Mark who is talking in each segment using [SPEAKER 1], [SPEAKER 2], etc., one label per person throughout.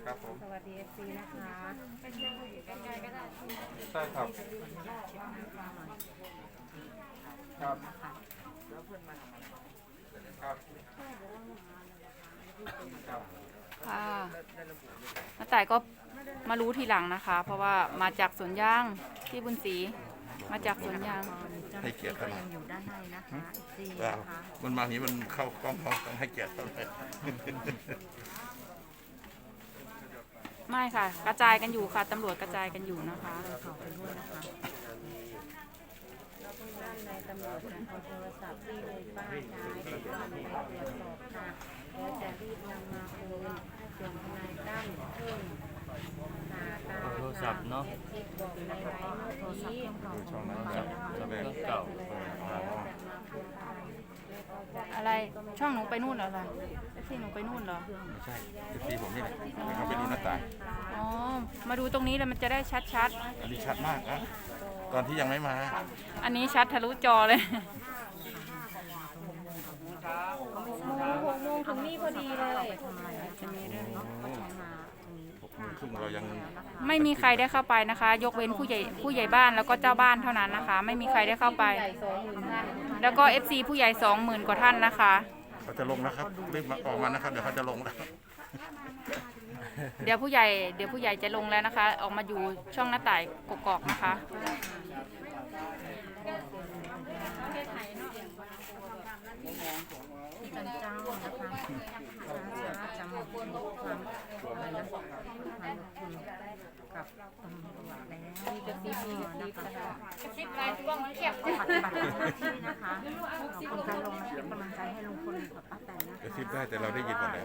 [SPEAKER 1] ครับผม
[SPEAKER 2] สวัสดีFC นะคะใกล้ๆก็ได้
[SPEAKER 1] ใช่ครับครับครับครับ
[SPEAKER 3] ค่ะน้าต่ายก็มารู้ทีหลังนะคะ เพราะว่ามาจากสวนยางที่บุญศรีมาจากสวนยาง
[SPEAKER 4] ให้เกียรติเขาหน่อย
[SPEAKER 2] อยู่ด้านในนะคะ FC
[SPEAKER 4] ว้าว
[SPEAKER 2] นะคะ
[SPEAKER 4] มันมาอย่างนี้มันเข้ากล้องเขาต้องให้เกียรติเขาหน่อย
[SPEAKER 3] ไม่ค่ะ กระจายกันอยู่ค่ะตำรวจกระจายกันอยู่นะคะ
[SPEAKER 2] ขอไปด้วยนะคะด้านในตำรวจจะเอาโทรศัพท์ที่เลยป้าใช้ทุกวันไปตรวจสอบค่ะแล้วจะรีบนำมาคืนส่วนทนายตั้มเพิ่มโทรศัพท์เนาะบอกในไลน์เมื่อกี้
[SPEAKER 1] ดูช่องนั้นครับแสดงเก่า
[SPEAKER 3] อะไรช่องหนูไปนู่นเหรอล่ะที่หนูไปนู่นเหรอ
[SPEAKER 4] ไม่ใช่ทีผมนี่แหละเขาไปดูหน้าตา
[SPEAKER 3] อ๋อมาดูตรงนี้แล้วมันจะได้ชัด
[SPEAKER 4] อันนี้ชัดมากนะตอนที่ยังไม่มา
[SPEAKER 3] ๆอันนี้ชัดทะลุจอเลย
[SPEAKER 2] 6 โมงถึงนี่พอดีเลย
[SPEAKER 3] จะมีเรื่อง
[SPEAKER 4] 6 โมงครึ่งเรายัง
[SPEAKER 3] ไม่มีใครได้เข้าไปนะคะ ยกเว้นผู้ใหญ่บ้านแล้วก็เจ้าบ้านเท่านั้นนะคะ ไม่มีใครได้เข้าไป แล้วก็ FC ผู้ใหญ่ 20,000 กว่าท่านนะคะ
[SPEAKER 4] เขาจะลงนะครับรีบมาออกมานะครับเดี๋ยวเขาจะลงแล้ว
[SPEAKER 3] เดี๋ยวผู้ใหญ่จะลงแล้วนะคะ ออกมาอยู่ช่องหน้าต่ายกกอกนะคะ
[SPEAKER 2] ที่จันเจ้านะคะช้าๆจะมาพูดความอะไรนะความคุณกับตำรวจแล้วมีกระซิบนะคะกระซิบอะไรกล้องเก็บปฏิบัติหน้าที่นะคะขอบคุณการลงเป็นกำลังใจให้ลุงพลกับป้าแตนนะคะ
[SPEAKER 4] กระซิบได้แต่เราได้ยินหมดแล้ว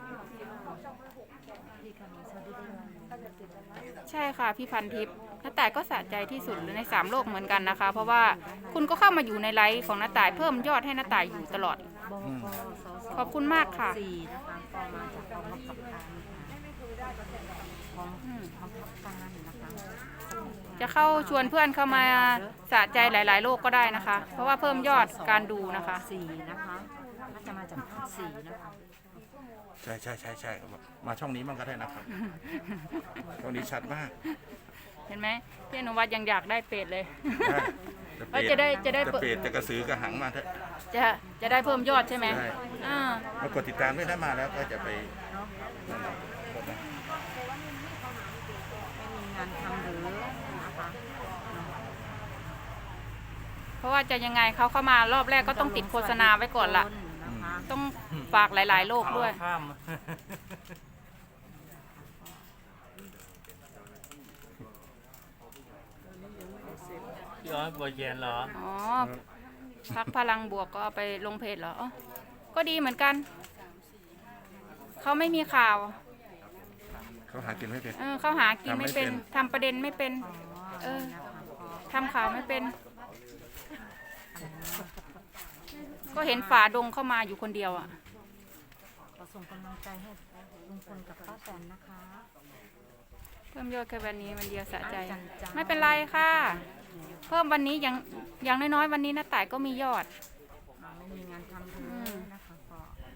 [SPEAKER 2] พี่คำนี้สวัสดีด้วย
[SPEAKER 3] ใช่ค่ะพี่พันทิพย์น้าต่ายก็สะใจที่สุดใน3โลกเหมือนกันนะคะ เพราะว่าคุณก็เข้ามาอยู่ในไลฟ์ของน้าต่ายเพิ่มยอดให้น้าต่ายอยู่ตลอด
[SPEAKER 2] บกสส
[SPEAKER 3] ขอบคุณมากค่ะ
[SPEAKER 2] 4นะคะก็มาจากกองบังคับการของบังคับการนะคะ
[SPEAKER 3] จะเข้าชวนเพื่อนเข้ามาสะใจหลาย ๆ โลกก็ได้นะคะ เพราะว่าเพิ่มยอดการดูนะคะ
[SPEAKER 2] 4นะคะน่าจะมาจากภาค4นะคะ
[SPEAKER 4] ใช่มาช่องนี้มันก็ได้นะครับช่องนี้ชัดมาก
[SPEAKER 3] เห็นไหมพี่อนุวัฒน์ยังอยากได้เป็ดเลย
[SPEAKER 4] ได้
[SPEAKER 3] จะได้
[SPEAKER 4] จะเปรตจะกระสือกระหังมาเถอะ
[SPEAKER 3] จะได้เพิ่มยอดใช่ไหม
[SPEAKER 4] ใช่
[SPEAKER 3] อ่าม
[SPEAKER 4] ากดติดตามด้วยถ้ามาแล้วก็จะไปนั่นแหละ
[SPEAKER 2] ไม่มีงานทำหรือนะคะ
[SPEAKER 3] เพราะว่าจะยังไงเขาเข้ามารอบแรกก็ต้องติดโฆษณาไว้ก่อนละ
[SPEAKER 2] นะคะ
[SPEAKER 3] ต้องฝากหลาย ๆ โลกด้วย
[SPEAKER 5] พี่อ้อยบัวเย็นเหรอ
[SPEAKER 3] อ๋อพักพลังบวกก็เอาไปลงเพจเหรออ๋อก็ดีเหมือนกัน เขาไม่มีข่าว
[SPEAKER 4] เขาหากินไม่เป็น
[SPEAKER 3] เขาหากินไม่เป็น
[SPEAKER 4] ทำไม่เป็น
[SPEAKER 3] ทำประเด็นไม่เป็น เออทำข่าวไม่เป็น ก็เห็นฝาดงเข้ามาอยู่คนเดียวอ่ะ
[SPEAKER 2] ขอส่งกำลังใจให้ลุงพลกับป้าแตนนะคะ
[SPEAKER 3] เพิ่มยอดแค่วันนี้วันเดียวสะใจ
[SPEAKER 2] จันจ้า
[SPEAKER 3] ไม่เป็นไรค่ะ เพิ่มวันนี้อย่างน้อยๆวันนี้น้าต่ายก็มียอด
[SPEAKER 2] ไม่มีงานทำหรือนะคะก็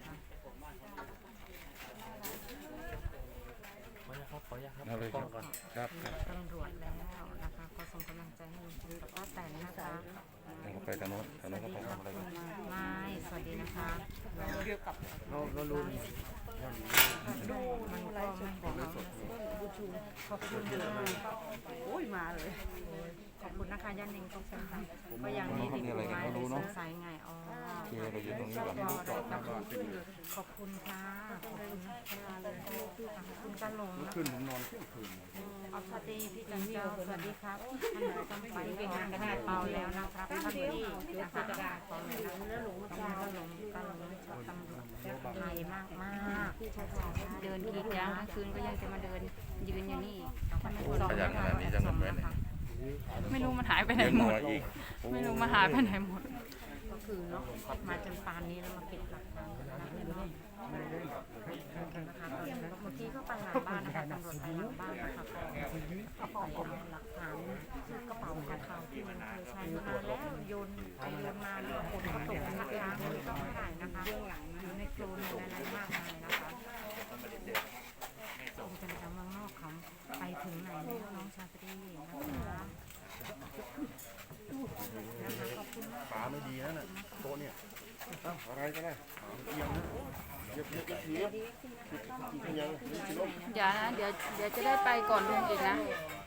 [SPEAKER 5] ขออนุญาตครับ
[SPEAKER 4] เอาเลย
[SPEAKER 5] กล้องก่อน
[SPEAKER 4] ครับครับ
[SPEAKER 2] ตำรวจแล้วนะคะขอส่งกำลังใจให้ลุงพลกับป้าแตนนะคะ
[SPEAKER 4] เราไปทางโน้นก็ไปทำอะไรกัน
[SPEAKER 2] ไม่สวัสดีนะคะมันก็ไม่บอกขอบคุณโอ้ยมาเลยขอบคุณนะคะย่านิงก็เป็นค่ะก็ยังมีติดไม้ในสงสัยไงอ๋อ
[SPEAKER 4] คือเราอยู่ตรงนี้ก่อน
[SPEAKER 2] ขอบคุณค่ะขอบคุณนะคะขอบคุณกันหลงนะ
[SPEAKER 4] ขึ้นผมนอนเที่ยงคืน
[SPEAKER 2] อสวัสดีพี่จันเจ้าสวัสดีครับท่านต้องไปงานกันเปาแล้วนะครับท่านที่นะคะขอเลยนะแล้วหลงกันหลงชอบตำรวจไทยมากมาก
[SPEAKER 3] เดินกรีดยางกลางคืนก็ยังจะมาเดินยืนอยู่นี่อีกถ้าไม่
[SPEAKER 4] โอ้
[SPEAKER 3] ส่อง
[SPEAKER 4] ขยันขนาดนี้จะเงินไว้ไหน
[SPEAKER 3] ไม่รู้มันหายไปไหน
[SPEAKER 4] เลี้ยง
[SPEAKER 3] หม
[SPEAKER 4] หั
[SPEAKER 3] ด
[SPEAKER 4] วอีก
[SPEAKER 3] ไม่รู้มันหายไปไหนหมด
[SPEAKER 2] ก็คือเนาะมาจนปานนี้แล้วมาเก็บหลักฐานนะคะเมื่อกี้ก็ไปหลังบ้านนะคะตำรวจไปหลังบ้านนะคะก็ไปเอาหลักฐานกระเป๋าของเขาที่มันเคยใช้มานานแล้วโยนไปโยนมาแล้วคนก็ตกนะคะไม่ต้องถ่ายนะคะอยู่ในโคลนอะไรมากมายนะคะส่งกันใจ
[SPEAKER 6] อะไรก็ได้
[SPEAKER 3] เดี๋ยวนะเดี๋ยวจะได้ไปก่อนลุงอีกนะ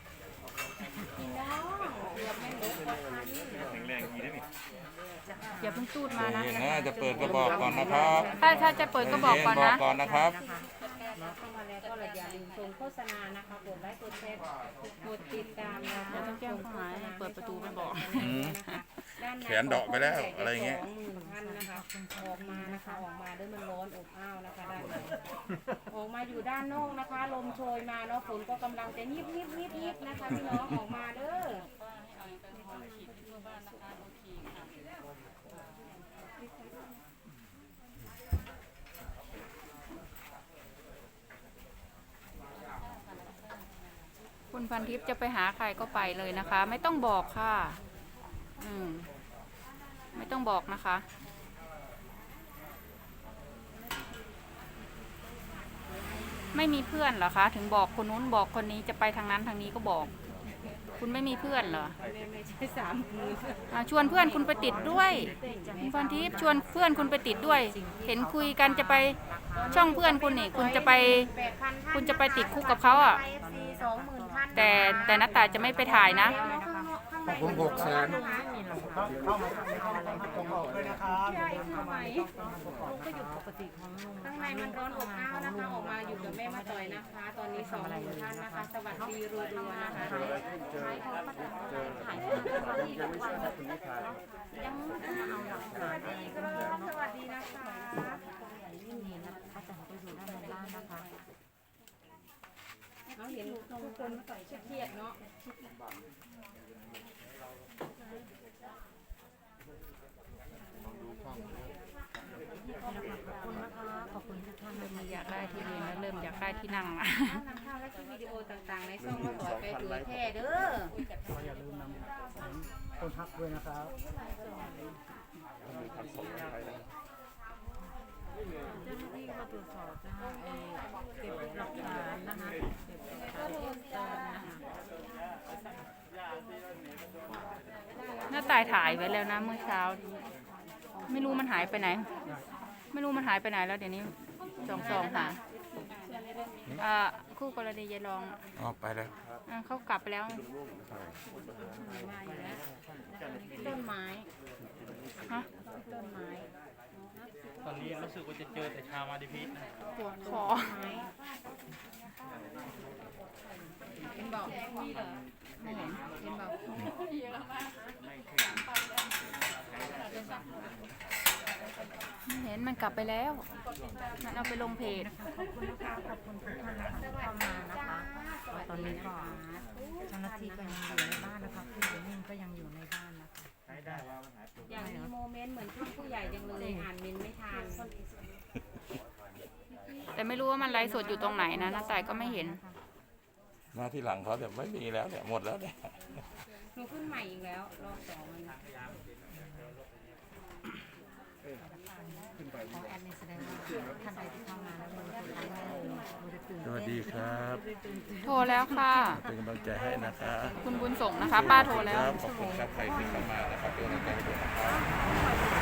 [SPEAKER 3] อย่าเพิ่งตูดมานะ
[SPEAKER 4] เย็นนะจะเปิดก็บอกก่อนนะครับ
[SPEAKER 3] ถ้าจะเปิดก็บอกก่อน
[SPEAKER 4] บอ
[SPEAKER 3] นะ
[SPEAKER 4] กก่อนนะครับ
[SPEAKER 2] เข้ามาแล้วก็อย่าลืมชมโฆษณานะคะกดไลค์กดแชร์กดติดตามนะ
[SPEAKER 3] เดี๋ยวต้องแจ้งข้อหาให้เปิดประตูไม่บอก
[SPEAKER 4] แขนเดาะไปแล้วอะไรเงี้ย
[SPEAKER 2] 20,000ท่านนะคะออกมานะคะออกมาด้วยมันร้อนอบอ้าวนะคะด้านในออกมาอยู่ด้านนอกนะคะ ลมโชยมาเนาะฝนก็กำลังจะยิบนะคะพี่น้องออกมาเด้อ
[SPEAKER 3] คุณพันทิพย์จะไปหาใครก็ไปเลยนะคะ ไม่ต้องบอกค่ะไม่ต้องบอกนะคะ ไม่มีเพื่อนเหรอคะ ถึงบอกคนนู้นบอกคนนี้จะไปทางนั้นทางนี้ก็บอก คุณไม่มีเพื่อนเหรอ
[SPEAKER 2] ไม่ใช่30,000
[SPEAKER 3] ชวนเพื่อนคุณไปติดด้วยคุณพันทิพย์ชวนเพื่อนคุณไปติดด้วย เห็นคุยกันจะไปช่องเพื่อนคุณนี่คุณจะไปติดคุกกับเขาอ่ะ แต่น้าตายจะไม่ไปถ่ายนะ
[SPEAKER 6] ผม600,000
[SPEAKER 2] ข้างในมันร้อนอบอ้าวนะคะออกมาอยู่กับแม่มาต่อยนะคะ ตอนนี้20,000ท่านนะคะ สวัสดีรัวๆนะคะยังสวัสดีครับสวัสดีนะคะเราเห็นทุกคนเครียดเนาะขอบคุณทุกท่านเริ่มอยากได้ที่ยืนแล้วเริ่มอยากได้ที่นั่งละนำภาพและคลิปวิดีโอต่างๆในช่องมาต่อยไปเผยแพร่เด้ออย่าลืมนำคนทักด้วยนะครับเจ้าหน้าที่มาตรวจสอบนะคะเก็บหลักฐานนะคะเก็บหลักฐานเพิ่มเติมนะคะ
[SPEAKER 3] น้าตายถ่ายไว้แล้วนะเมื่อเช้า ไม่รู้มันหายไปไหน ไม่รู้มันหายไปไหนแล้วเดี๋ยวนี้ส่องหาคู่กรณียายรอง
[SPEAKER 4] อ๋อไปแล้ว
[SPEAKER 3] เขากลับไปแล้ว
[SPEAKER 2] ต้นไม้
[SPEAKER 3] ฮะ
[SPEAKER 2] ต้นไม้
[SPEAKER 5] ตอนนี้รู้สึกว่าจะเจอแต่ชาวมาดิพิษนะ
[SPEAKER 3] ขอ
[SPEAKER 2] เห็นบอกมีเหรอไม่เห็นเห็นบอก
[SPEAKER 3] ไม่เห็นมันกลับไปแล้ว มันเอาไปลงเพจ
[SPEAKER 2] ขอบคุณนะคะขอบคุณทุกท่านนะคะที่เข้ามานะคะตอนนี้ก็เจ้าหน้าที่ก็ยังอยู่ในบ้านนะคะผู้หญิงนิ่งก็ยังอยู่ในบ้านนะคะอย่างมีโมเมนต์เหมือนท่านผู้ใหญ่จังเลยอ่านเมนไม่ทัน
[SPEAKER 3] แต่ไม่รู้ว่ามันไลฟ์สดอยู่ตรงไหนนะน้าตายก็ไม่เห็น
[SPEAKER 4] มาที่หลังเขาแต่ไม่มีแล้วเนี่ยหมดแล้วเนี่ย
[SPEAKER 2] หนูขึ้นใหม่อีกแล้วรอบ2มันของแอดนี่แสดงว่าท่านใดที่เข้ามาแล้ว
[SPEAKER 4] สวัสดีครับ
[SPEAKER 3] โทรแล้วค่ะ
[SPEAKER 4] เป็นกำลังใจให้นะคะ
[SPEAKER 3] คุณบุญส่งนะคะ ป้าโทรแล้ว
[SPEAKER 4] ขอบคุณครับใครที่เข้ามานะครับเป็นกำลังใจให้ด้วยนะครับ